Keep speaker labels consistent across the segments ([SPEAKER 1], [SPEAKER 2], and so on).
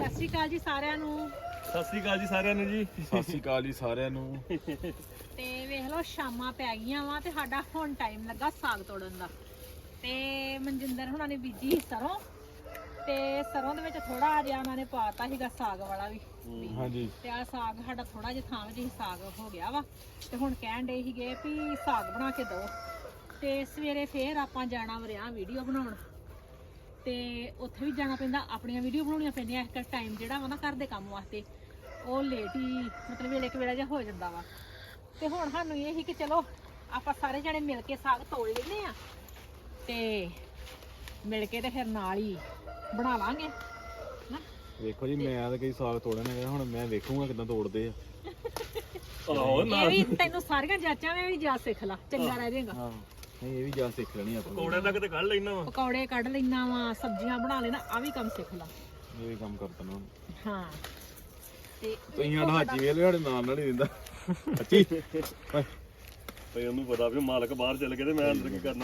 [SPEAKER 1] ਸਤਿ ਸ਼੍ਰੀ ਅਕਾਲ ਜੀ ਸਾਰਿਆਂ ਨੂੰ।
[SPEAKER 2] ਸਤਿ ਸ੍ਰੀ ਅਕਾਲ ਜੀ ਸਾਰਿਆਂ ਨੂੰ ਜੀ।
[SPEAKER 3] ਸਤਿ ਸ਼੍ਰੀ ਅਕਾਲ ਜੀ ਸਾਰਿਆਂ ਨੂੰ।
[SPEAKER 1] ਤੇ ਵੇਖ ਲਓ ਸ਼ਾਮਾਂ ਪੈ ਗਈਆਂ ਵਾ ਤੇ ਸਾਡਾ ਹੁਣ ਟਾਈਮ ਲੱਗਾ ਸਾਗ ਤੋੜਨ ਦਾ। ਤੇ ਮਨਜਿੰਦਰ ਹੁਣਾਂ ਨੇ ਬੀਜੀ ਸਰੋਂ ਤੇ ਸਰੋਂ ਦੇ ਵਿੱਚ ਥੋੜਾ ਜਿਹਾ ਉਹਨਾਂ ਨੇ ਪਾਤਾ ਸੀਗਾ ਸਾਗ ਵਾਲਾ ਵੀ।
[SPEAKER 3] ਹਾਂਜੀ
[SPEAKER 1] ਤੇ ਆ ਸਾਗ ਸਾਡਾ ਥੋੜਾ ਜਿਹਾ ਥਾਂ ਵਿੱਚ ਸਾਗ ਹੋ ਗਿਆ ਵਾ ਤੇ ਹੁਣ ਕਹਿਣ ਡੇ ਸੀਗੇ ਵੀ ਸਾਗ ਬਣਾ ਕੇ ਦਿਓ। ਤੇ ਸਵੇਰੇ ਫੇਰ ਆਪਾਂ ਜਾਣਾ ਵਰਿਆ ਵੀਡੀਓ ਬਣਾਉਣ ਤੇ ਉੱਥੇ ਵੀ ਜਾਣਾ ਪੈਂਦਾ, ਆਪਣੀਆਂ ਵੀਡੀਓ ਬਣਾਉਣੀਆਂ ਪੈਂਦੀਆਂ। ਇਸ ਟਾਈਮ ਜਿਹੜਾ ਵਾ ਨਾ ਘਰ ਦੇ ਕੰਮ ਵਾਸਤੇ ਉਹ ਲੇਟ ਹੀ ਮਤਲਬ ਵੇਲੇ ਕੁ ਵੇਲਾ ਜਿਹਾ ਹੋ ਜਾਂਦਾ ਵਾ। ਤੇ ਹੁਣ ਸਾਨੂੰ ਇਹ ਸੀ ਕਿ ਚਲੋ ਆਪਾਂ ਸਾਰੇ ਜਣੇ ਮਿਲ ਕੇ ਸਾਗ ਤੋੜ ਲੈਂਦੇ ਆ ਤੇ ਮਿਲ ਕੇ ਤੇ ਫਿਰ ਨਾਲ ਹੀ ਬਣਾ ਲਾਂਗੇ ਨਾ।
[SPEAKER 3] ਵੇਖੋ ਜੀ ਮੈਂ ਤਾਂ ਕਈ ਸਾਗ ਤੋੜਨ ਗਿਆ, ਹੁਣ ਮੈਂ ਵੇਖੂਗਾ ਕਿਦਾਂ ਤੋੜਦੇ ਆ।
[SPEAKER 2] ਆਹੋ
[SPEAKER 1] ਇਹ ਵੀ ਤੈਨੂੰ ਸਾਰੀਆਂ ਜਾਚਾਂ ਵੀ ਜਾ ਸਿੱਖ ਲਾ, ਚੰਗਾ ਰਹਿ ਜਾਏਗਾ।
[SPEAKER 3] ਹਾਂ ਨਹੀਂ ਇਹ ਵੀ ਜਾ ਸਿੱਖ ਲੈਣੀ ਆਪਾਂ।
[SPEAKER 2] ਪਕੌੜੇ ਤੱਕ ਤੇ ਕੱਢ ਲੈਣਾ ਵਾ।
[SPEAKER 1] ਪਕੌੜੇ ਕੱਢ ਲੈਣਾ ਵਾ, ਸਬਜ਼ੀਆਂ ਬਣਾ ਲੈਣਾ, ਆ ਵੀ ਕੰਮ ਸਿੱਖ ਲਾ।
[SPEAKER 3] ਇਹ ਵੀ ਕੰਮ ਕਰਤਾ ਨਾ।
[SPEAKER 1] ਹਾਂ ਤੇ
[SPEAKER 3] ਤੁਸੀਂ ਸਾਡਾ ਹਾਜੀ ਵੇਲ ਸਾਡੇ ਨਾਲ ਹੀ ਦਿੰਦਾ ਅੱਛੀ
[SPEAKER 2] ਭਈ ਉਹਨੂੰ ਪਤਾ ਵੀ ਮਾਲਕ ਬਾਹਰ ਚੱਲ ਗਏ ਤੇ ਮੈਂ ਅੰਦਰ ਕੀ ਕਰਨਾ।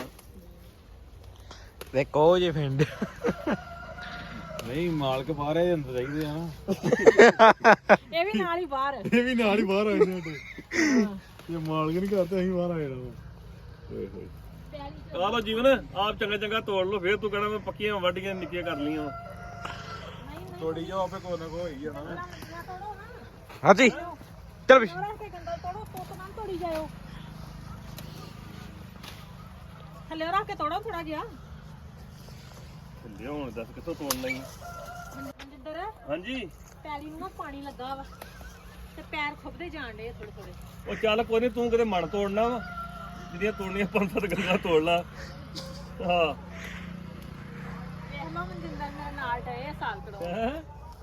[SPEAKER 4] ਦੇਖੋ ਜੇ ਫਿੰਡ
[SPEAKER 3] ਨਹੀਂ ਮਾਲਕ ਬਾਹਰ ਆਏ ਅੰਦਰ ਚਾਹੀਦੇ ਆ ਨਾ।
[SPEAKER 1] ਇਹ ਵੀ ਨਾਲ ਹੀ ਬਾਹਰ।
[SPEAKER 3] ਇਹ ਵੀ ਨਾਲ ਹੀ ਬਾਹਰ ਆਏ ਨੇ ਸਾਡੇ। ਜੇ ਮਾਲਕ ਨਹੀਂ ਕਰਦੇ ਅਸੀਂ ਬਾਹਰ ਆਏ ਨਾ। ਓਏ ਹੋਏ
[SPEAKER 2] ਆ ਲੋ ਜੀਵਨ ਆਪ ਚੰਗਾ ਚੰਗਾ ਤੋੜ ਲੋ, ਫੇਰ ਤੂੰ ਕਹਿਣਾ ਮੈਂ ਪੱਕੀਆਂ ਵੱਡੀਆਂ ਨਿੱਕੀਆਂ ਕਰ ਲੀਆਂ ਵਾ।
[SPEAKER 3] ਤੋੜੀ ਜਾਓ ਆਪੇ ਕੋਈ ਨਾ ਕੋਈ ਹੋਈ ਜਾਣਾ।
[SPEAKER 4] ਹਾਂਜੀ ਚਲ ਵੀ
[SPEAKER 1] ਤੋੜੀ ਜਾਓ ਥੱਲੇ ਰੱਖ ਕੇ ਤੋੜੋ ਥੋੜਾ ਜਿਹਾ।
[SPEAKER 2] ਲਿਆ ਹੁਣ ਦੱਸ ਕਿੱਥੋਂ ਤੋੜਨਾ ਹੀ।
[SPEAKER 1] ਮਨਜਿੰਦਰ
[SPEAKER 2] ਹਾਂਜੀ
[SPEAKER 1] ਪੈਲੀ ਨੂੰ ਨਾ ਪਾਣੀ ਲੱਗਾ ਵਾ ਤੇ ਪੈਰ ਖੁੱਬਦੇ ਜਾਣ ਡੇ ਥੋੜੇ ਥੋੜੇ।
[SPEAKER 2] ਉਹ ਚੱਲ ਕੋਈ ਨਹੀਂ, ਤੂੰ ਕਿਤੇ ਮਣ ਤੋੜਨਾ ਵਾ, ਜਿਹੜੀਆਂ ਤੋੜਨੀਆਂ 5-7 ਗੱਲਾਂ ਤੋੜ ਲਾ। ਹਾਂ
[SPEAKER 1] ਵੇਖ ਲਓ ਮਨਜਿੰਦਰ ਮੇਰੇ ਨਾਲ ਡਏ ਸਾਲ ਕੜੋ।
[SPEAKER 2] ਹੈਂ?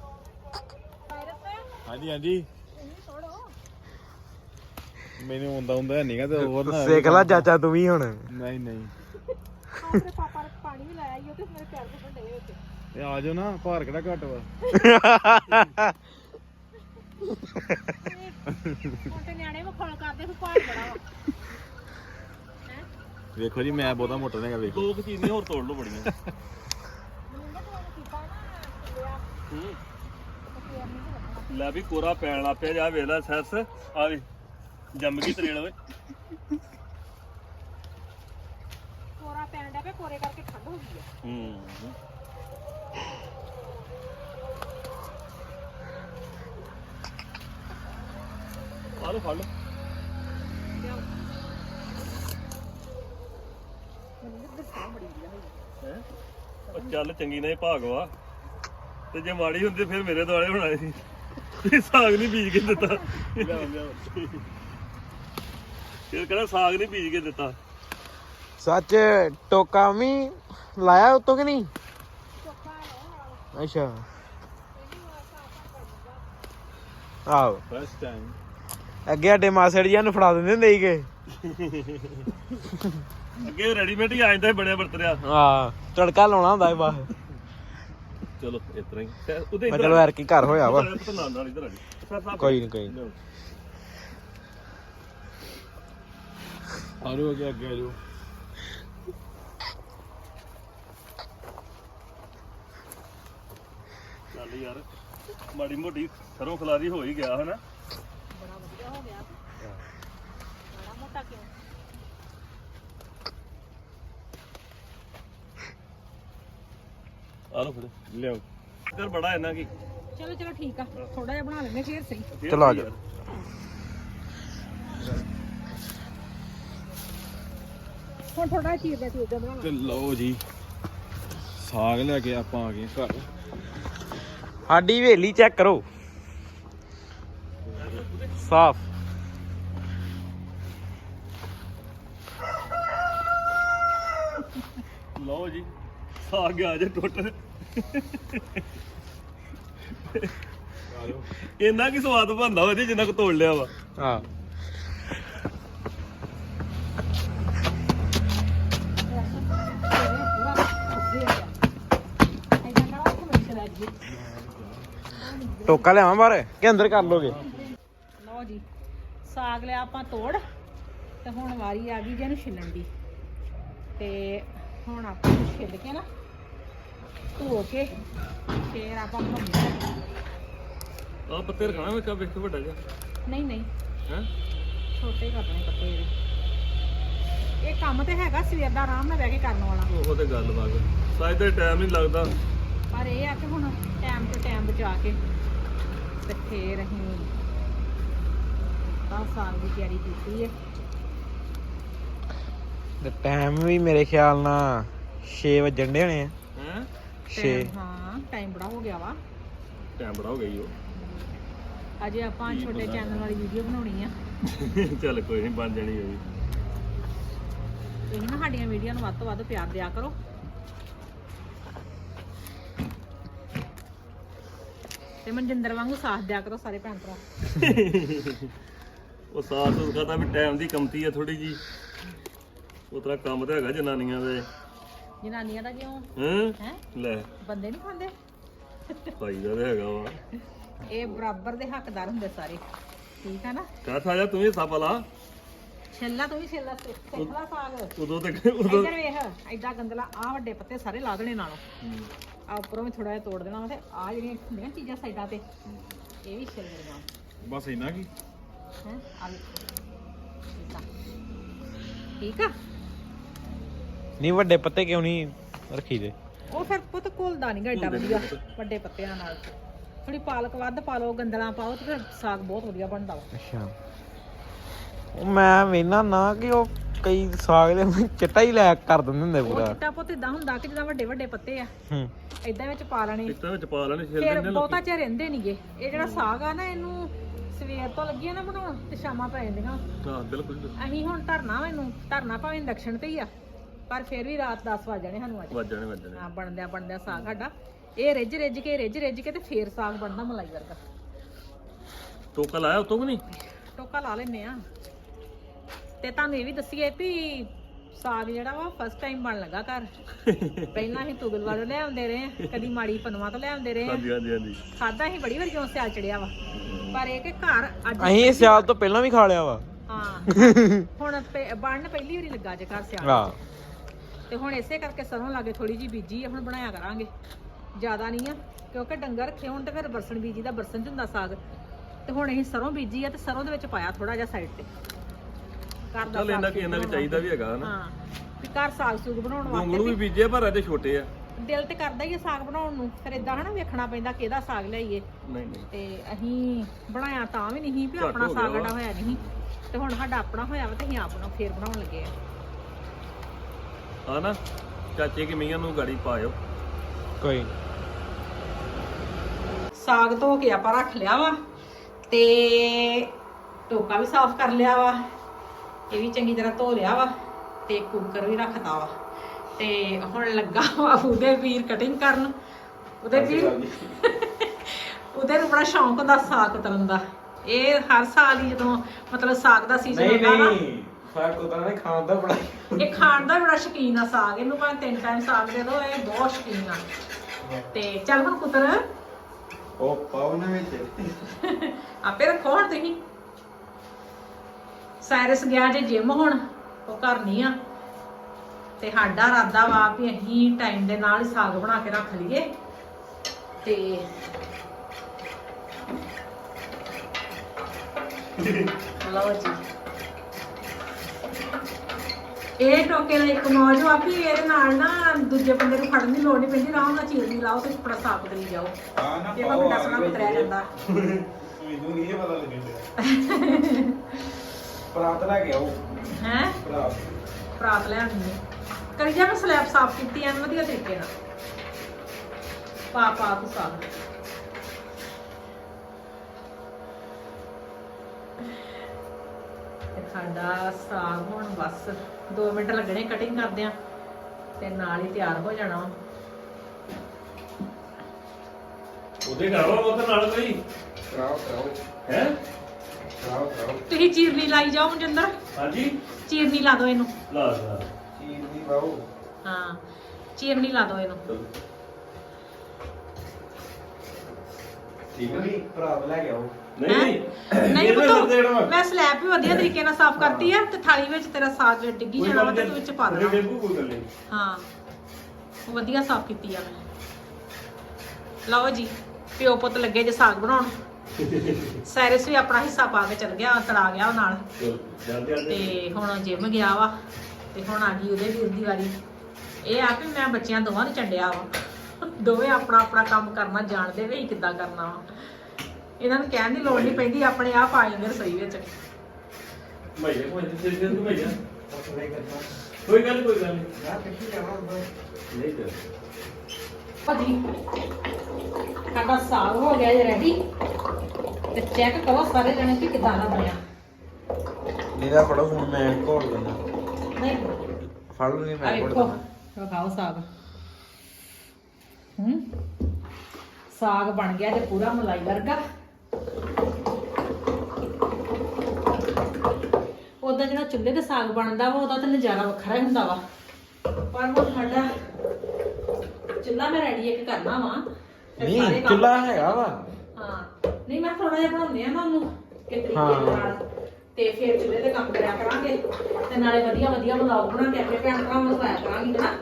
[SPEAKER 3] ਹਾਂਜੀ ਹਾਂਜੀ
[SPEAKER 1] ਤੁਸੀਂ ਤੋੜੋ।
[SPEAKER 3] ਮੈਨੂੰ ਹੁੰਦਾ ਨਹੀਂਗਾ ਤੇ ਹੋਰ ਨਾ
[SPEAKER 4] ਸਿੱਖ ਲੈ ਚਾਚਾ ਤੂੰ ਵੀ ਹੁਣ।
[SPEAKER 3] ਨਹੀਂ ਨਹੀਂ
[SPEAKER 1] ਆਪਣੇ ਪਾਪਾ ਨੇ ਪਾਣੀ ਵੀ ਲਾਇਆ ਈ ਉਹ ਤੇ ਮੇਰੇ ਪੈਰ ਖੁੱਬਣ ਡੇ ਉੱਤੇ।
[SPEAKER 3] ਇਹ ਆ ਜਾਓ ਨਾ, ਭਾਰ ਕਿਹੜਾ ਘੱਟ ਵਾ।
[SPEAKER 1] ਹੁਣ ਤੇ ਨਿਆਣੇ ਮਖੌਲ ਕਰਦੇ ਫਿਰ ਭਾਰ ਬੜਾ ਵਾ। ਹੈ
[SPEAKER 3] ਵੇਖੋ ਜੀ ਮੈਂ ਬਹੁਤਾ ਮੋਟਾ ਨਹੀਂਗਾ। ਵੇਖੋ
[SPEAKER 2] ਦੋ ਕੁ ਚੀਜ਼ਾਂ ਹੋਰ ਤੋੜ ਲੋ ਬੜੀਆਂ।
[SPEAKER 1] ਮੈਨੂੰ ਤਾਂ ਕੀਤਾ ਨਾ ਲਿਆ
[SPEAKER 2] ਹੂੰ
[SPEAKER 1] ਤੇ ਫੇਰ ਨਹੀਂ ਲੱਗਣਾ।
[SPEAKER 2] ਲੈ ਵੀ ਕੋਰਾ ਪੈਣ ਲੱਗ ਪਿਆ, ਜਾ ਵੇਖ ਲੈ ਸੈਸ ਆ ਵੀ ਜੰਮ ਗਈ ਤਰੇੜ ਓਏ।
[SPEAKER 1] ਕੋਰਾ ਪੈਣ ਡਿਆ ਪਿਆ, ਕੋਰੇ ਕਰਕੇ ਠੰਡ ਹੋ ਗਈ ਆ।
[SPEAKER 2] ਹੂੰ ਆ ਲੋ ਫੜ ਲੋ।
[SPEAKER 1] ਲਿਆਓ ਮੈਨੂੰ ਦੱਸਣਾ ਬੜੀ ਵਧੀਆ ਹੋਈ।
[SPEAKER 2] ਹੈਂ? ਉਹ ਚੱਲ ਚੰਗੀ ਨਹੀਂ ਭਾਗ ਵਾ, ਤੇ ਜੇ ਮਾੜੀ ਹੁੰਦੀ ਫਿਰ ਮੇਰੇ ਦੁਆਲੇ ਬਣਾਏ ਸੀ। ਇਹ ਸਾਗ ਨਹੀਂ ਬੀਜ ਕੇ ਦਿੱਤਾ। ਫਿਰ ਕਹਿੰਦਾ ਸਾਗ ਨਹੀਂ ਬੀਜ ਕੇ ਦਿੱਤਾ।
[SPEAKER 4] ਸੱਚ ਟੋਕਾ ਵੀ ਲਾਇਆ ਉਤੋਂ ਕਿ ਨਹੀਂ?
[SPEAKER 1] ਚੋਖਾ ਹੈ
[SPEAKER 4] ਅੱਛਾ ਆਹੋ
[SPEAKER 3] ਫਸਟ ਟਾਈਮ
[SPEAKER 4] ਅੱਗੇ ਸਾਡੇ ਮਾਸੜ ਜੀ ਨੂੰ ਫੜਾ ਦਿੰਦੇ ਹੁੰਦੇ ਸੀਗੇ।
[SPEAKER 2] ਅੱਗੇ ਰੈਡੀਮੇਡ ਹੀ ਆ ਜਾਂਦਾ ਸੀ ਬਣਿਆ ਵਰਤਰਿਆ।
[SPEAKER 4] ਹਾਂ ਤੜਕਾ ਲਾਉਣਾ ਹੁੰਦਾ ਸੀ ਬਸ।
[SPEAKER 2] ਚਲੋ ਇਸ ਤਰ੍ਹਾਂ ਹੀ ਉਹਦੇ
[SPEAKER 4] ਮੈਂ ਚਲੋ ਯਾਰ ਕੀ ਘਰ ਹੋਇਆ ਵਾ।
[SPEAKER 2] ਨਾਲ ਨਾਲ ਇਧਰ ਆ ਜੀ।
[SPEAKER 4] ਕੋਈ ਨਹੀਂ ਕੋਈ ਨੀ।
[SPEAKER 3] ਆਜੋ ਅੱਗੇ ਅੱਗੇ ਆਜੋ।
[SPEAKER 2] ਚੱਲ ਯਾਰ ਮਾੜੀ ਮੋਟੀ ਸਰੋਂ ਖਲਾਰੀ ਹੋ ਹੀ ਗਿਆ ਹਨਾ।
[SPEAKER 1] ਬੜਾ ਵਧੀਆ ਹੋ ਗਿਆ ਬੜਾ ਮੋਟਾ ਕਿਉਂ।
[SPEAKER 2] ਆ ਲੋ ਫੜ ਲਿਆਓ ਇੱਧਰ ਬੜਾ ਇਹਨਾਂ ਕੀ।
[SPEAKER 1] ਚਲੋ ਚਲੋ ਠੀਕ ਆ, ਥੋੜਾ ਜਿਹਾ ਬਣਾ ਲੈਣੇ ਫੇਰ ਸਹੀ।
[SPEAKER 2] ਫੇਰ
[SPEAKER 4] ਚਲੋ ਆ
[SPEAKER 2] ਕੀ
[SPEAKER 4] ਜਾਓ।
[SPEAKER 2] ਯਾਰ।
[SPEAKER 1] ਹੁਣ ਥੋੜਾ ਚੀਰਦਾ ਬਣਾਉਣਾ।
[SPEAKER 3] ਤੇ ਲਓ ਜੀ ਸਾਗ ਲੈ ਕੇ ਆਪਾਂ ਆ ਗਏ ਘਰ।
[SPEAKER 4] ਸਾਡੀ ਹਵੇਲੀ ਚੈੱਕ ਕਰੋ ਸਾਫ।
[SPEAKER 2] ਲਓ ਜੀ ਸਾਗ ਆ ਜੇ ਟੁੱਟ।
[SPEAKER 3] ਆਜੋ
[SPEAKER 2] ਇੰਨਾ ਕੀ ਸਵਾਦ ਬਣਦਾ ਵਾ ਜੀ ਜਿੰਨਾ ਕੁ ਤੋੜ ਲਿਆ ਵਾ।
[SPEAKER 4] ਹਾਂ ਟੋਕਾ ਲਿਆਵਾਂ ਬਾਹਰ ਕਿ ਅੰਦਰ ਕਰ ਲੋਗੇ?
[SPEAKER 1] ਲਓ ਜੀ ਸਾਗ ਲਿਆ ਆਪਾਂ ਤੋੜ ਤੇ ਹੁਣ ਵਾਰੀ ਆ ਗਈ ਜਿਹਨੂੰ ਛਿੱਲਣ ਦੀ। ਤੇ ਹੁਣ ਆਪਾਂ ਛਿੱਲ ਕੇ ਨਾ ਧੋ ਕੇ ਫੇਰ ਆਪਾਂ ਬਣਾਉਂਦੇ
[SPEAKER 2] ਆ ਪੱਤੇ ਰਖਾਣਾ ਮੈਂ ਕਾ ਵੇਖ ਵੱਡਾ ਜਿਹਾ
[SPEAKER 1] ਨਹੀਂ ਨਹੀਂ
[SPEAKER 2] ਹੈ
[SPEAKER 1] ਛੋਟੇ ਕਰਨੇ ਪੱਤੇ ਇਹਦੇ ਇਹ ਕੰਮ ਤੇ ਹੈਗਾ ਸਵੇਰ ਦਾ ਆਰਾਮ ਨਾਲ ਬਹਿ ਕੇ ਕਰਨ ਵਾਲਾ
[SPEAKER 2] ਉਹ ਤੇ ਗੱਲ ਬਾਤ ਸਾਇਦ ਤੇ ਟਾਈਮ ਨਹੀਂ ਲੱਗਦਾ
[SPEAKER 1] ਪਰ ਇਹ ਆ ਕਿ ਹੁਣ ਟਾਈਮ ਤੋਂ ਟਾਈਮ ਬਚਾ ਕੇ ਤੇ ਫੇਰ ਅਸੀਂ ਤਾਂ ਸਾਗ ਦੀ ਤਿਆਰੀ ਕੀਤੀ ਹੈ
[SPEAKER 4] ਤੇ ਟਾਈਮ ਵੀ ਮੇਰੇ ਖਿਆਲ ਨਾਲ 6 ਵਜਣ ਦੇ ਹੋਣੇ ਆ
[SPEAKER 2] ਹੈ
[SPEAKER 4] 6
[SPEAKER 1] ਹਾਂ ਟਾਈਮ ਬੜਾ ਹੋ ਗਿਆ ਵਾ
[SPEAKER 2] ਟਾਈਮ ਬੜਾ ਹੋ ਗਈ ਉਹ
[SPEAKER 1] ਅਜੇ ਆਪਾਂ ਛੋਟੇ ਚੈਨਲ ਵਾਲੀ ਵੀਡੀਓ ਬਣਾਉਣੀ ਆ
[SPEAKER 2] ਚੱਲ ਕੋਈ ਨਹੀਂ ਬਣ ਜਾਣੀ ਉਹ ਵੀ
[SPEAKER 1] ਤੁਸੀਂ ਨਾ ਸਾਡੀਆਂ ਵੀਡੀਓ ਨੂੰ ਵੱਧ ਤੋਂ ਵੱਧ ਪਿਆਰ ਦਿਆ ਕਰੋ ਤੇ ਮਨਜਿੰਦਰ ਵਾਂਗੂ ਸਾਥ ਦਿਆ ਕਰੋ ਸਾਰੇ ਭੈਣ ਭਰਾ
[SPEAKER 2] ਉਹ ਸਾਥ ਉਸ ਦਾ ਵੀ ਟਾਈਮ ਦੀ ਕਮਤੀ ਆ ਥੋੜੀ ਜੀ ਉਤਰਾ ਕੰਮ ਤਾਂ ਹੈਗਾ ਜਨਾਨੀਆਂ ਦੇ
[SPEAKER 1] ਜਨਾਨੀਆਂ ਦਾ ਕਿਉਂ
[SPEAKER 2] ਹੈਂ
[SPEAKER 1] ਹੈ
[SPEAKER 2] ਲੈ
[SPEAKER 1] ਬੰਦੇ ਨਹੀਂ ਖਾਂਦੇ
[SPEAKER 2] ਭਾਈ ਦਾ ਤਾਂ ਹੈਗਾ ਵਾ
[SPEAKER 1] ਇਹ ਬਰਾਬਰ ਦੇ ਹੱਕਦਾਰ ਹੁੰਦੇ ਸਾਰੇ ਠੀਕ ਆ ਨਾ
[SPEAKER 2] ਕਾ ਥਾਜਾ ਤੂੰ ਇਹ ਸੱਪ ਲਾ
[SPEAKER 1] ਛੱਲਾ ਤੂੰ ਵੀ ਛੱਲਾ ਸਿੱਖਲਾ ਸਾਗ
[SPEAKER 2] ਉਦੋਂ ਤੱਕ ਉਦੋਂ
[SPEAKER 1] ਇੱਧਰ ਵੇਖ ਐਡਾ ਗੰਦਲਾ ਆ ਵੱਡੇ ਪੱਤੇ ਸਾਰੇ ਲਾ ਦੇਣੇ ਨਾਲੋਂ ਆ ਉੱਪਰੋਂ ਵੀ ਥੋੜਾ ਜਿਹਾ ਤੋੜ ਦੇਣਾ ਵਾ ਤੇ ਆ ਜਿਹੜੀਆਂ ਹੁੰਦੀਆਂ ਚੀਜ਼ਾਂ ਸਾਈਡਾਂ ਤੇ ਇਹ ਵੀ ਛਿੱਲ ਦੇਣੀਆਂ
[SPEAKER 3] ਬਸ ਇੰਨਾ ਕੀ
[SPEAKER 1] ਹੈ ਆ ਵੇਖੋ ਠੀਕ ਆ
[SPEAKER 4] ਨਹੀਂ ਵੱਡੇ ਪੱਤੇ ਕਿਉਂ ਨਹੀਂ ਰੱਖੀ ਦੇ
[SPEAKER 1] ਉਹ ਫਿਰ ਪੁੱਤ ਘੁਲਦਾ ਨਹੀਂ ਐਡਾ ਵਧੀਆ ਵੱਡੇ ਪੱਤਿਆਂ ਨਾਲ ਥੋੜੀ ਪਾਲਕ ਵੱਧ ਪਾ ਲਓ ਗੰਦਲਾਂ ਪਾਓ ਤੇ ਫਿਰ ਸਾਗ ਬਹੁਤ ਵਧੀਆ ਬਣਦਾ ਵਾ
[SPEAKER 4] ਅੱਛਾ ਉਹ ਮੈਂ ਵੇਖਣਾ ਨਾ ਕਿ ਉਹ ਕਈ ਸਾਗ ਦੇ ਚਿੱਟਾ ਹੀ ਲੈ ਕਰ ਦਿੰਦੇ ਹੁੰਦੇ
[SPEAKER 1] ਉਹ
[SPEAKER 4] ਪੂਰਾ
[SPEAKER 1] ਚਿੱਟਾ ਪੁੱਤ ਇਦਾਂ ਹੁੰਦਾ ਕਿ ਜਿੱਦਾਂ ਵੱਡੇ ਵੱਡੇ ਪੱਤੇ ਆ
[SPEAKER 4] ਹੂੰ
[SPEAKER 1] ਇਦਾਂ ਵਿੱਚ ਪਾ ਲੈਣੇ
[SPEAKER 2] ਇੱਟਾਂ ਵਿੱਚ ਪਾ ਲੈਣੇ ਛਿੱਲ
[SPEAKER 1] ਫਿਰ
[SPEAKER 2] ਦਿੰਦੇ
[SPEAKER 1] ਬਹੁਤਾ ਚਿਰ ਰਹਿੰਦੇ ਨਹੀਂਗੇ ਇਹ ਜਿਹੜਾ ਸਾਗ ਆ ਨਾ ਇਹਨੂੰ ਸਵੇਰ ਤੋਂ ਲੱਗੀ ਆ ਨਾ ਬਣਾਉਣ ਤੇ ਸ਼ਾਮਾਂ ਪੈ ਜਾਂਦੀਆਂ
[SPEAKER 2] ਹਾਂ ਬਿਲਕੁਲ
[SPEAKER 1] ਅਸੀਂ ਹੁਣ ਧਰਨਾ ਇਹਨੂੰ ਧਰਨਾ ਭਾਵੇਂ ਇੰਡਕਸ਼ਨ ਤੇ ਹੀ ਆ ਪਰ ਫਿਰ ਵੀ ਰਾਤ 10 ਵਜ ਜਾਣੇ ਸਾਨੂੰ ਅੱਜ
[SPEAKER 2] ਵੱਜਣੇ
[SPEAKER 1] ਹਾਂ ਬਣਦਿਆਂ ਸਾਗ ਸਾਡਾ ਇਹ ਰਿੱਝ ਰਿੱਝ ਕੇ ਤੇ ਫੇਰ ਸਾਗ ਬਣਦਾ ਮਲਾਈ ਵਰਗਾ
[SPEAKER 2] ਟੋਕਾ ਲਾਇਆ ਉਤੋਂ ਕਿ ਨਹੀਂ
[SPEAKER 1] ਟੋਕਾ ਲਾ ਲੈਨੇ ਆ ਤੇ ਤੁਹਾਨੂੰ ਇਹ ਵੀ ਦੱਸੀਏ ਵੀ ਸਾਗ ਜਿਹੜਾ ਵਾ ਫਸਟ ਟਾਈਮ ਬਣ ਲੱਗਾ ਘਰ ਪਹਿਲਾਂ ਅਸੀਂ ਤੁਗਲ ਵਾਲੇ ਲੈ ਆਉਂਦੇ ਰਹੇ ਕਦੀ ਮਾੜੀ ਪਨਵਾ ਤੋਂ ਲੈ ਆਉਂਦੇ ਰਹੇ
[SPEAKER 2] ਹਾਂਜੀ ਹਾਂਜੀ ਹਾਂਜੀ
[SPEAKER 1] ਖਾਦਾ ਅਸੀਂ ਬੜੀ ਵਾਰ ਕਿਉਂ ਸਿਆਲ ਚੜਿਆ ਵਾ ਪਰ ਇਹ ਕਿ ਘਰ ਅੱਜ
[SPEAKER 4] ਅਸੀਂ ਇਸ ਸਾਲ ਤੋਂ ਪਹਿਲਾਂ ਵੀ ਖਾ ਲਿਆ ਵਾ
[SPEAKER 1] ਹਾਂ ਹੁਣ ਬਣਨ ਪਹਿਲੀ ਵਾਰੀ ਲੱਗਾ ਜੇ ਘਰ ਸਿਆਲ
[SPEAKER 4] ਹਾਂ
[SPEAKER 1] ਤੇ ਹੁਣ ਇਸੇ ਕਰਕੇ ਸਰੋਂ ਲਾਗੇ ਥੋੜੀ ਜੀ ਬੀਜੀ ਆ ਹੁਣ ਬਣਾਇਆ ਕਰਾਂਗੇ ਜ਼ਿਆਦਾ ਨਹੀਂ ਆ ਕਿਉਂਕਿ ਡੰਗਰ ਰੱਖੇ ਹੁਣ ਤੇ ਫਿਰ ਬਰਸਨ ਬੀਜੀ ਦਾ ਬਰਸਨ ਚ ਹੁੰਦਾ ਸਾਗ ਤੇ ਹੁਣ ਅਸੀਂ ਸਰੋਂ ਬੀਜੀ ਆ ਤੇ ਸਰੋਂ ਦੇ ਵਿੱਚ ਪਾਇਆ ਥੋੜਾ ਜਿਹਾ ਸਾਈਡ ਤੇ ਘਰ ਦਾ
[SPEAKER 2] ਚੱਲ ਇਹਨਾਂ ਕਿ ਇਹਨਾਂ ਵੀ ਚਾਹੀਦਾ ਵੀ ਹੈਗਾ ਨਾ
[SPEAKER 1] ਹਾਂ ਵੀ ਘਰ ਸਾਗ ਸੂਗ ਬਣਾਉਣ
[SPEAKER 2] ਗੋਂਗਲੂ
[SPEAKER 1] ਵਾਸਤੇ
[SPEAKER 2] ਵੀ ਬੀਜੇ ਪਰ ਅਜੇ ਛੋਟੇ ਆ
[SPEAKER 1] ਦਿਲ ਤੇ ਕਰਦਾ ਹੀ ਆ ਸਾਗ ਬਣਾਉਣ ਨੂੰ ਫਿਰ ਇਦਾਂ ਹਨਾ ਵੇਖਣਾ ਪੈਂਦਾ ਕਿਹਦਾ ਸਾਗ ਲਿਆਈਏ
[SPEAKER 2] ਨਹੀਂ ਨਹੀਂ
[SPEAKER 1] ਤੇ ਅਸੀਂ ਬਣਾਇਆ ਤਾਂ ਵੀ ਨਹੀਂ ਵੀ
[SPEAKER 2] ਝੱਟ
[SPEAKER 1] ਆਪਣਾ
[SPEAKER 2] ਹੋ
[SPEAKER 1] ਸਾਗ
[SPEAKER 2] ਗਿਆ
[SPEAKER 1] ਸਾਡਾ ਹੋਇਆ ਨਹੀਂ ਤੇ ਹੁਣ ਸਾਡਾ ਆਪਣਾ ਹੋਇਆ ਵਾ ਤੇ ਅਸੀਂ ਆਪ ਨੂੰ ਫੇਰ ਬਣਾਉਣ ਲੱਗੇ ਆ
[SPEAKER 2] ਆ ਨਾ ਚਾਚੇ ਕੀ ਮੀਆਂ ਨੂੰ ਗਾੜੀ ਪਾਇਓ
[SPEAKER 4] ਕੋਈ ਨੀ।
[SPEAKER 1] ਸਾਗ ਧੋ ਕੇ ਆਪਾਂ ਰੱਖ ਲਿਆ ਵਾ ਤੇ ਟੋਕਾ ਵੀ ਸਾਫ਼ ਕਰ ਲਿਆ ਵਾ ਇਹ ਵੀ ਚੰਗੀ ਤਰ੍ਹਾਂ ਧੋ ਲਿਆ ਵਾ ਤੇ ਕੁੱਕਰ ਵੀ ਰੱਖਤਾ ਵਾ ਤੇ ਹੁਣ ਲੱਗਾ ਵਾ ਉਹਦੇ ਵੀਰ ਕਟਿੰਗ ਕਰਨ ਉਹਦੇ ਵੀਰ ਉਹਦੇ ਨੂੰ ਬੜਾ ਸ਼ੌਂਕ ਹੁੰਦਾ ਸਾਗ ਤਰਨ ਦਾ ਇਹ ਹਰ ਸਾਲ ਹੀ ਜਦੋਂ ਮਤਲਬ ਸਾਗ ਦਾ ਸੀਜ਼ਨ ਹੁੰਦਾ ਨਾ
[SPEAKER 4] ਸਾਗ ਤੋਂ ਤਾਂ ਖਾਣ ਦਾ ਬੜਾ
[SPEAKER 1] ਇਹ ਖਾਣ ਦਾ ਬੜਾ ਸ਼ੌਕੀਨ ਆ ਸਾਗ ਇਹਨੂੰ ਭਾਵੇਂ 3 ਟਾਈਮ ਸਾਗ ਦੇ ਦੋ ਇਹ ਬਹੁਤ ਸ਼ੌਕੀਨ ਆ ਤੇ ਚੱਲ ਹੁਣ ਕੁੱਤਰ
[SPEAKER 4] ਉਹ ਪਾਉ ਨਾ ਵਿੱਚ
[SPEAKER 1] ਆਪੇ ਰੱਖੋ ਹੁਣ ਤੁਸੀਂ ਸਾਇਰਸ ਗਿਆ ਜੇ ਜਿਮ ਹੁਣ ਉਹ ਘਰ ਨਹੀਂ ਆ ਤੇ ਸਾਡਾ ਇਰਾਦਾ ਵਾ ਵੀ ਅਸੀਂ ਟਾਈਮ ਦੇ ਨਾਲ ਹੀ ਸਾਗ ਬਣਾ ਕੇ ਰੱਖ ਲਈਏ ਤੇ ਲਓ ਜੀ ਇਹ ਟੋਕੇ ਦਾ ਇੱਕ ਮੌਜ ਵਾ ਵੀ ਇਹਦੇ ਨਾਲ ਨਾ ਦੂਜੇ ਬੰਦੇ ਨੂੰ ਫੜਨ ਦੀ ਲੋੜ ਨਹੀਂ ਪੈਂਦੀ ਆਰਾਮ ਨਾਲ ਚੀਰਨੀ ਲਾਓ ਤੇ ਬੜਾ ਸਾਗ ਕਰੀ ਜਾਓ ਇਹ ਤਾਂ ਵੱਡਾ ਸਣਾ ਕੁਤਰਿਆ ਜਾਂਦਾ
[SPEAKER 3] ਮੈਨੂੰ ਨਹੀਂ ਇਹ ਪਤਾ ਲੱਗਿਆ
[SPEAKER 4] ਪਰਾਤ ਲੈ ਕੇ ਆਓ
[SPEAKER 1] ਹੈ ਪਰਾਤ ਲੈ ਆਉਂਦੀ ਕਰੀ ਜਾ ਮੈਂ ਸਲੈਬ ਸਾਫ਼ ਕੀਤੀ ਐਨ ਵਧੀਆ ਤਰੀਕੇ ਨਾਲ ਪਾ ਤੂੰ ਸਾਗ ਤੇ ਸਾਡਾ ਸਾਗ ਹੁਣ ਬਸ 2 ਮਿੰਟ ਲੱਗਣੇ ਕਟਿੰਗ ਕਰਦੇ ਆ ਤੇ ਨਾਲ ਹੀ ਤਿਆਰ ਹੋ ਜਾਣਾ
[SPEAKER 2] ਉਹਦੇ ਘਰ ਵਾ ਉਹ ਨਾਲ ਕੋਈ
[SPEAKER 3] ਕਰਾਓ
[SPEAKER 2] ਹੈ
[SPEAKER 1] ਤੁਸੀਂ ਚੀਰਨੀ ਲਾਈ ਜਾਓ ਮਨਜਿੰਦਰ
[SPEAKER 2] ਹਾਂਜੀ
[SPEAKER 1] ਚੀਰਨੀ ਲਾ ਦਿਓ ਇਹਨੂੰ
[SPEAKER 2] ਲਾ ਲਾ
[SPEAKER 3] ਚੀਜ਼ ਦੀ ਬਾਉ
[SPEAKER 1] ਹਾਂ ਚੀਰਨੀ ਲਾ ਦਿਓ ਇਹਨੂੰ
[SPEAKER 3] ਠੀਕ ਨਹੀਂ ਭਰਾ ਲੈ ਕੇ ਆਓ
[SPEAKER 2] ਨਹੀਂ
[SPEAKER 1] ਨਹੀਂ ਪੁੱਤ ਮੈਂ ਸਲੈਬ ਵੀ ਵਧੀਆ ਤਰੀਕੇ ਨਾਲ ਸਾਫ਼ ਕਰਤੀ ਆ ਤੇ ਥਾਲੀ ਵਿੱਚ ਤੇਰਾ ਸਾਗ ਡਿੱਗੀ ਜਾਣਾ ਵਾ ਤੇ ਤੂੰ ਵਿੱਚ ਪਾ ਦੇਣਾ
[SPEAKER 2] ਕੋਈ ਗੱਲ ਨਹੀਂ
[SPEAKER 1] ਹਾਂ ਉਹ ਵਧੀਆ ਸਾਫ਼ ਕੀਤੀ ਆ ਮੈਂ ਲਓ ਜੀ ਪਿਓ ਪੁੱਤ ਲੱਗੇ ਜੇ ਸਾਗ ਬਣਾਉਣ ਸੈਰਿਸ ਵੀ ਆਪਣਾ ਹਿੱਸਾ ਪਾ ਕੇ ਚਲ ਗਿਆ ਤੜਾ ਗਿਆ ਉਹ ਨਾਲ ਤੇ ਹੁਣ ਜਿਮ ਗਿਆ ਵਾ ਤੇ ਹੁਣ ਆ ਗਈ ਉਹਦੇ ਵੀਰ ਦੀ ਵਾਰੀ ਇਹ ਆ ਕਿ ਮੈਂ ਬੱਚਿਆਂ ਦੋਵਾਂ ਨੂੰ ਛੱਡਿਆ ਵਾ ਦੋਵੇਂ ਆਪਣਾ ਆਪਣਾ ਕੰਮ ਕਰਨਾ ਜਾਣਦੇ ਵੀ ਕਿੱਦਾਂ ਕਰਨਾ ਵਾ ਇਹਨਾਂ ਨੂੰ ਕਹਿਣ ਦੀ ਲੋੜ ਨਹੀਂ ਪੈਂਦੀ ਆਪਣੇ ਆਪ ਆ ਜਾਂਦੇ ਰਸੋਈ ਵਿੱਚ
[SPEAKER 2] ਭਈਆ ਕੋਈ ਨਹੀਂ ਭਈਆ ਕੋਈ ਗੱਲ ਨਹੀਂ ਯਾਰ ਕਿੱਥੇ ਜਾਣਾ ਨਹੀਂ ਤੇ
[SPEAKER 1] ਭਾਜੀ ਸਾਡਾ ਸਾਗ ਹੋ ਗਿਆ ਜੇ ਰੈਡੀ ਤੇ ਚੈੱਕ ਕਰੋ ਸਾਰੇ ਜਣੇ ਕਿ ਕਿਦਾਂ ਦਾ ਬਣਿਆ
[SPEAKER 4] ਨੀਰਾ ਫੜੋ ਹੁਣ ਮੈਂ ਘੋਲ ਦਿੰਦਾ
[SPEAKER 1] ਨਹੀਂ
[SPEAKER 4] ਫੜ ਲਓ ਨਹੀਂ
[SPEAKER 1] ਆ
[SPEAKER 4] ਮੈਂ ਘੋਲ
[SPEAKER 1] ਵੇਖੋ
[SPEAKER 4] ਦਿੰਦਾ
[SPEAKER 1] ਖਾਓ ਸਾਗ ਸਾਗ ਬਣ ਗਿਆ ਜੇ ਪੂਰਾ ਮਲਾਈ ਵਰਗਾ ਉਹਦਾ ਜਿਹੜਾ ਚੁੱਲ੍ਹੇ ਤੇ ਸਾਗ ਬਣਦਾ ਵਾ ਉਹਦਾ ਤਾਂ ਨਜ਼ਾਰਾ ਵੱਖਰਾ ਹੀ ਹੁੰਦਾ ਵਾ ਪਰ ਹੁਣ ਸਾਡਾ ਚੁੱਲ੍ਹਾ ਮੈਂ ਰੈਡੀ ਇੱਕ ਕਰਨਾ ਵਾ ਫਿਰ ਸਾਰੇ
[SPEAKER 4] ਨਹੀਂ
[SPEAKER 1] ਕੰਮ-
[SPEAKER 4] ਚੁੱਲਾ ਹੈਗਾ ਵਾ
[SPEAKER 1] ਹਾਂ ਨਹੀਂ ਮੈਂ ਥੋੜਾ ਜਿਹਾ ਬਣਾਉਂਦੇ ਆ ਨਾ ਉਹਨੂੰ ਕਿ ਤਰੀਕੇ
[SPEAKER 4] ਹਾਂ।
[SPEAKER 1] ਨਾਲ ਤੇ ਫਿਰ ਚੁੱਲ੍ਹੇ ਤੇ ਕੰਮ ਕਰਿਆ ਕਰਾਂਗੇ ਤੇ ਨਾਲੇ ਵਧੀਆ ਵਧੀਆ ਵਲੌਗ ਬਣਾ ਕੇ ਆਪਣੇ ਭੈਣ ਭਰਾਵਾਂ ਨੂੰ ਪਾਇਆ ਕਰਾਂਗੇ ਨਾ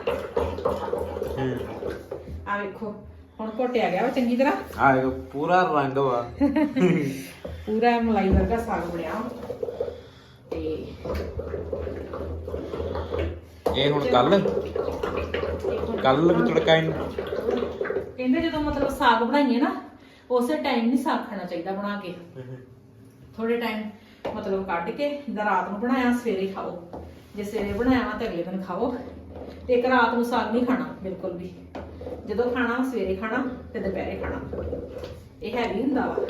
[SPEAKER 1] ਆ ਵੇਖੋ ਹੁਣ ਘੋਟਿਆ ਗਿਆ ਵਾ ਚੰਗੀ ਤਰ੍ਹਾਂ
[SPEAKER 4] ਆ ਪੂਰਾ ਰੰਗ ਵਾ
[SPEAKER 1] ਪੂਰਾ ਮਲਾਈ ਵਰਗਾ ਸਾਗ ਬਣਿਆ ਤੇ
[SPEAKER 4] ਇਹ ਹੁਣ ਕੱਲ ਵੀ ਤੜਕਾ ਇਹਨੂੰ
[SPEAKER 1] ਕਹਿੰਦੇ ਜਦੋਂ ਮਤਲਬ ਸਾਗ ਬਣਾਈਏ ਨਾ ਉਸੇ ਟਾਈਮ ਨਹੀਂ ਸਾਗ ਖਾਣਾ ਚਾਹੀਦਾ ਬਣਾ ਕੇ ਥੋੜੇ ਟਾਈਮ ਮਤਲਬ ਕੱਢ ਕੇ ਜਿੱਦਾਂ ਰਾਤ ਨੂੰ ਬਣਾਇਆ ਸਵੇਰੇ ਖਾਓ ਜੇ ਸਵੇਰੇ ਬਣਾਇਆ ਵਾ ਤਾਂ ਅਗਲੇ ਦਿਨ ਖਾਓ ਤੇ ਇੱਕ ਰਾਤ ਨੂੰ ਸਾਗ ਨਹੀਂ ਖਾਣਾ ਬਿਲਕੁਲ ਵੀ ਜਦੋਂ ਖਾਣਾ ਸਵੇਰੇ ਖਾਣਾ ਤੇ ਦੁਪਹਿਰੇ ਖਾਣਾ ਇਹ ਹੈਵੀ ਹੁੰਦਾ ਵਾ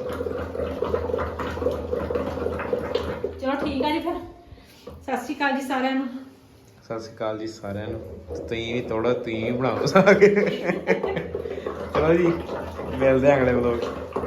[SPEAKER 1] ਚਲੋ ਠੀਕ ਆ ਜੀ ਫਿਰ ਸਤਿ ਸ਼੍ਰੀ ਅਕਾਲ ਜੀ ਸਾਰਿਆਂ ਨੂੰ
[SPEAKER 4] ਸਤਿ ਸ਼੍ਰੀ ਅਕਾਲ ਜੀ ਸਾਰਿਆਂ ਨੂੰ ਤੁਸੀਂ ਵੀ ਥੋੜਾ ਤੁਸੀਂ ਵੀ ਬਣਾਓ ਸਾਗ ਚਲੋ ਜੀ ਮਿਲਦੇ ਆਂ ਅਗਲੇ ਵਲੋਗ